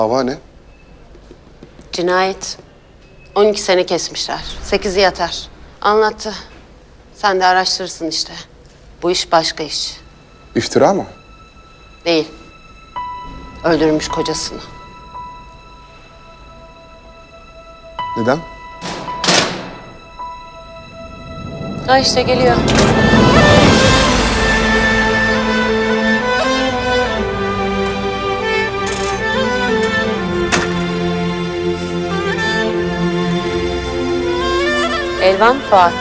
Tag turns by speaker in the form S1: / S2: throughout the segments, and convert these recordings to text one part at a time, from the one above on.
S1: Dava ne?
S2: Cinayet. 12 sene kesmişler. 8'i yatar. Anlattı. Sen de araştırırsın işte. Bu iş başka iş.
S1: İftira mı?
S2: Değil. Öldürmüş kocasını.
S1: Neden?
S2: Ha işte geliyor. Elvan Fuat.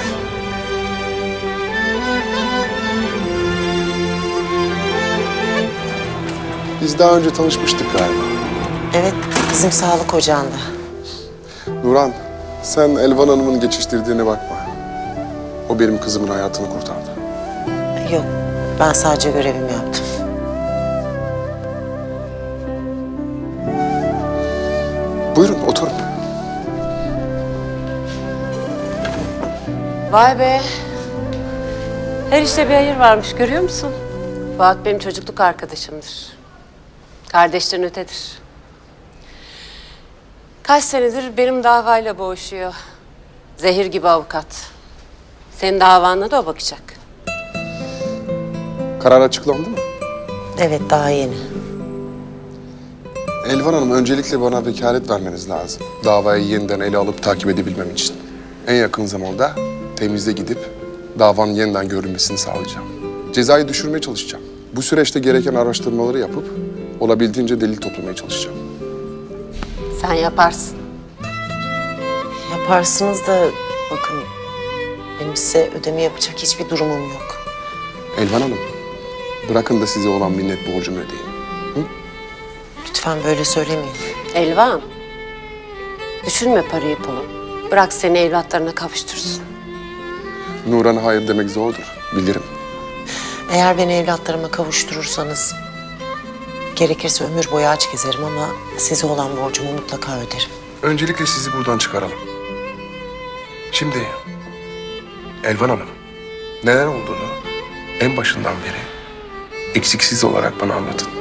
S1: Biz daha önce tanışmıştık galiba.
S3: Evet, bizim sağlık ocağında.
S1: Nurhan, sen Elvan Hanım'ın geçiştirdiğine bakma. O benim kızımın hayatını kurtardı.
S3: Yok, ben sadece görevimi yaptım.
S1: Buyurun, oturun.
S2: Vay be. Her işte bir hayır varmış görüyor musun? Fuat benim çocukluk arkadaşımdır. Kardeşten ötedir. Kaç senedir benim davayla boğuşuyor. Zehir gibi avukat. Senin davanla da o bakacak.
S1: Karar açıklandı mı?
S3: Evet, daha yeni.
S1: Elvan Hanım, öncelikle bana vekalet vermeniz lazım. Davayı yeniden ele alıp takip edebilmem için. En yakın zamanda temizle gidip davanın yeniden görülmesini sağlayacağım. Cezayı düşürmeye çalışacağım. Bu süreçte gereken araştırmaları yapıp olabildiğince delil toplamaya çalışacağım.
S2: Sen yaparsın.
S3: Yaparsınız da bakın, benim size ödeme yapacak hiçbir durumum yok.
S1: Elvan Hanım, bırakın da size olan minnet borcumu ödeyeyim.
S3: Lütfen böyle söylemeyin.
S2: Elvan. Düşünme parayı pulu. Bırak seni evlatlarına kavuştursun.
S1: Nurhan'a hayır demek zordur, bilirim.
S3: Eğer beni evlatlarıma kavuşturursanız... gerekirse ömür boyu aç gezerim ama size olan borcumu mutlaka öderim.
S1: Öncelikle sizi buradan çıkaralım. Şimdi Elvan Hanım, neler olduğunu en başından beri eksiksiz olarak bana anlatın.